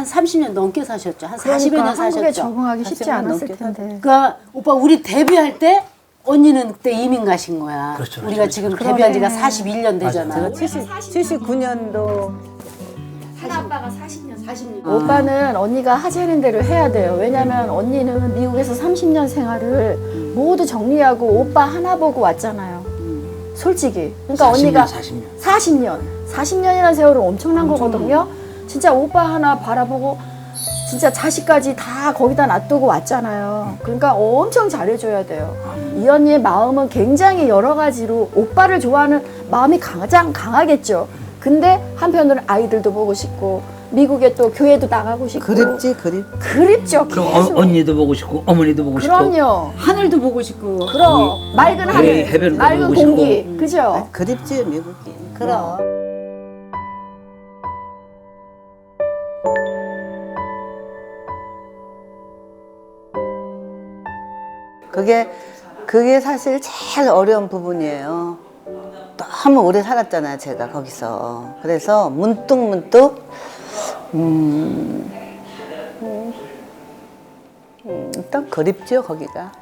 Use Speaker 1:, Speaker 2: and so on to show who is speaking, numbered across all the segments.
Speaker 1: 한 30년 넘게 사셨죠. 한 40여
Speaker 2: 그러니까
Speaker 1: 년 사셨죠.
Speaker 2: 한국에 적응하기 쉽지
Speaker 3: 40년
Speaker 2: 않았을
Speaker 3: 넘게
Speaker 2: 텐데.
Speaker 1: 그러니까 오빠 우리 데뷔할 때 언니는 그때 이민 가신 거야.
Speaker 4: 그렇죠, 그렇죠,
Speaker 1: 우리가 지금
Speaker 2: 그러네.
Speaker 1: 데뷔한 지가 41년 되잖아.
Speaker 3: 제가 79년도
Speaker 1: 큰아빠가 40년.
Speaker 2: 오빠는 언니가 하자는 대로 해야 돼요. 왜냐면 언니는 미국에서 30년 생활을 모두 정리하고 오빠 하나 보고 왔잖아요. 솔직히. 그러니까
Speaker 4: 40년,
Speaker 2: 언니가
Speaker 4: 40년.
Speaker 2: 40년. 40년이라는 세월은 엄청난 거거든요. 진짜 오빠 하나 바라보고 진짜 자식까지 다 거기다 놔두고 왔잖아요. 그러니까 엄청 잘해줘야 돼요. 이 언니의 마음은 굉장히 여러 가지로 오빠를 좋아하는 마음이 가장 강하겠죠. 근데 한편으로는 아이들도 보고 싶고 미국에 또 교회도 나가고 싶고
Speaker 3: 그립지 그립.
Speaker 2: 그립죠.
Speaker 4: 그럼
Speaker 2: 계속.
Speaker 4: 언니도 보고 싶고 어머니도 보고 싶고.
Speaker 2: 그럼요.
Speaker 1: 하늘도 보고 싶고.
Speaker 2: 그럼 맑은 하늘,
Speaker 4: 해변도
Speaker 2: 맑은
Speaker 4: 보고 싶고.
Speaker 2: 공기, 그죠?
Speaker 3: 그립지 미국이.
Speaker 1: 그럼.
Speaker 3: 그게 사실 제일 어려운 부분이에요. 너무 오래 살았잖아요, 제가 거기서. 그래서 문득 일단 그립죠, 거기가.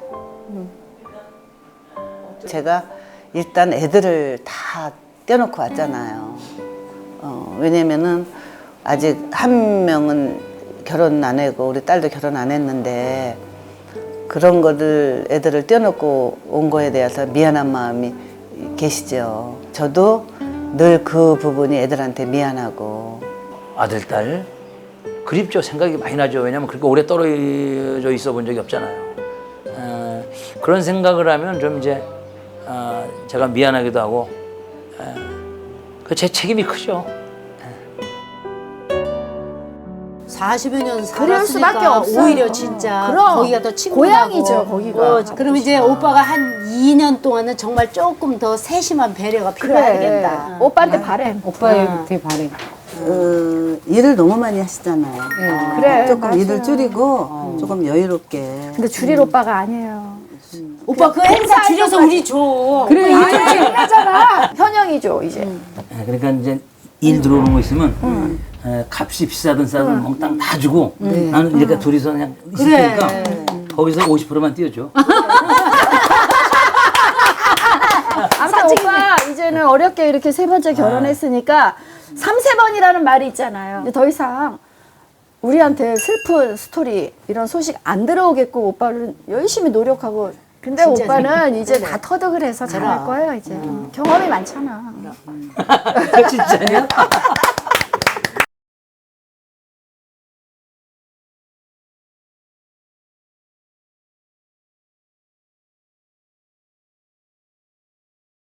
Speaker 3: 제가 일단 애들을 다 떼어놓고 왔잖아요. 왜냐면은 아직 한 명은 결혼 안 하고 우리 딸도 결혼 안 했는데 그런 거를 애들을 떼어놓고 온 거에 대해서 미안한 마음이 계시죠. 저도 늘 그 부분이 애들한테 미안하고.
Speaker 4: 아들, 딸 그립죠. 생각이 많이 나죠. 왜냐면 그렇게 오래 떨어져 있어 본 적이 없잖아요. 그런 생각을 하면 좀 이제 제가 미안하기도 하고 그 제 책임이 크죠.
Speaker 1: 40여 년
Speaker 2: 그럴 수밖에
Speaker 1: 살았으니까
Speaker 2: 없어요.
Speaker 1: 오히려 진짜
Speaker 2: 그럼.
Speaker 1: 거기가 더 친근하고.
Speaker 2: 고향이죠, 거기가.
Speaker 1: 그럼 이제 오빠가 한 2년 동안은 정말 조금 더 세심한 배려가 필요하겠다.
Speaker 2: 오빠한테 바래.
Speaker 5: 오빠한테 바래.
Speaker 3: 일을 너무 많이 하시잖아요.
Speaker 2: 그래,
Speaker 3: 조금
Speaker 2: 맞아요.
Speaker 3: 일을 줄이고 조금 여유롭게.
Speaker 2: 근데 줄일 오빠가 아니에요.
Speaker 1: 오빠 그 행사 줄여서 우리 줘.
Speaker 5: 그래,
Speaker 2: 아니, 하잖아. 현영이죠, 이제.
Speaker 4: 그러니까 이제 일 들어오는 거 있으면 값이 비싸든 싸든 몽땅 다 주고 나는 이렇게 둘이서 그냥 있을
Speaker 1: 그래.
Speaker 4: 테니까 거기서 50%만 띄워줘.
Speaker 2: 아무튼 오빠 이제는 어렵게 이렇게 세 번째 결혼했으니까 3세번이라는 말이 있잖아요. 이제 더 이상 우리한테 슬픈 스토리 이런 소식 안 들어오겠고 오빠는 열심히 노력하고 근데
Speaker 1: 진짜
Speaker 2: 오빠는 이제 다 터득을 해서 잘할 거예요 이제. 경험이 많잖아.
Speaker 4: 진짜냐?